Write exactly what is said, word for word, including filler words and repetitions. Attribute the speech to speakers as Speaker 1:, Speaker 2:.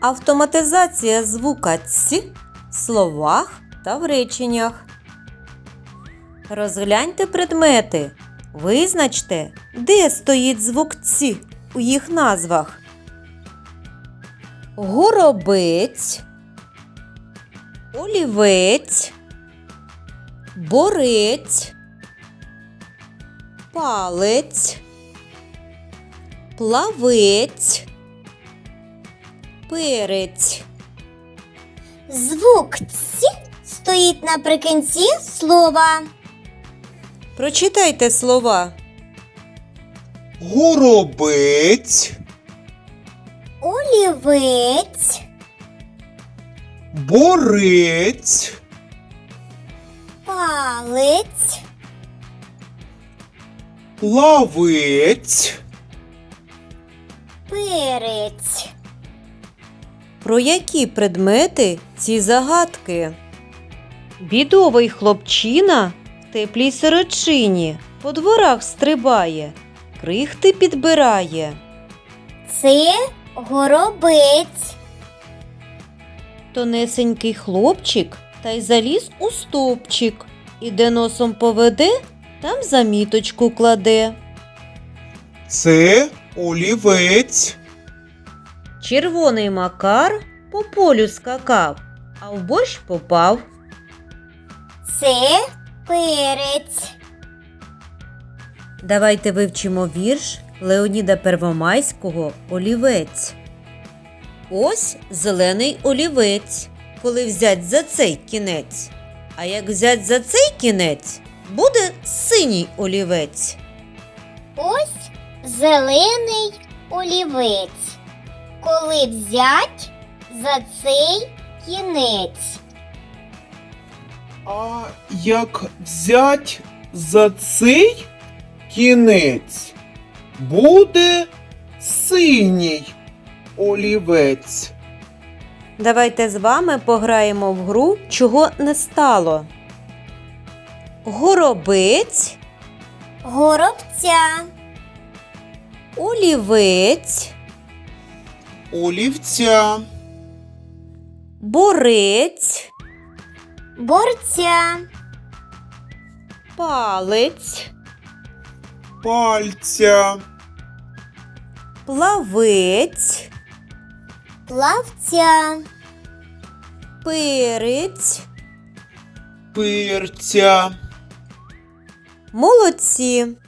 Speaker 1: Автоматизація звука «ць» в словах та в реченнях. Розгляньте предмети. Визначте, де стоїть звук «ць» у їх назвах. Горобець, олівець, борець, палець, плавець, перець.
Speaker 2: Звук «ць» стоїть наприкінці слова.
Speaker 1: Прочитайте слова.
Speaker 3: Горобець,
Speaker 2: Олівець,
Speaker 3: борець,
Speaker 2: палець,
Speaker 3: плавець.
Speaker 2: перець.
Speaker 1: Про які предмети ці загадки? Бідовий хлопчина в теплій сорочині по дворах стрибає, крихти підбирає.
Speaker 2: Це горобець.
Speaker 1: Тонесенький хлопчик та й заліз у стовпчик, і де носом поведе, там заміточку кладе.
Speaker 3: Це олівець.
Speaker 1: Червоний Макар по полю скакав, а в борщ попав.
Speaker 2: Це перець.
Speaker 1: Давайте вивчимо вірш Леоніда Первомайського «Олівець». Ось зелений олівець, коли взять за цей кінець. А як взять за цей кінець, буде синій олівець.
Speaker 2: Ось зелений олівець. Коли взять за цей кінець.
Speaker 3: А як взять за цей кінець, буде синій олівець.
Speaker 1: Давайте з вами пограємо в гру «Чого не стало». Горобець,
Speaker 2: Горобця,
Speaker 1: олівець,
Speaker 3: Олівця,
Speaker 1: борець,
Speaker 2: борця,
Speaker 1: палець,
Speaker 3: пальця,
Speaker 1: плавець,
Speaker 2: плавця,
Speaker 1: перець.
Speaker 3: перця.
Speaker 1: Молодці!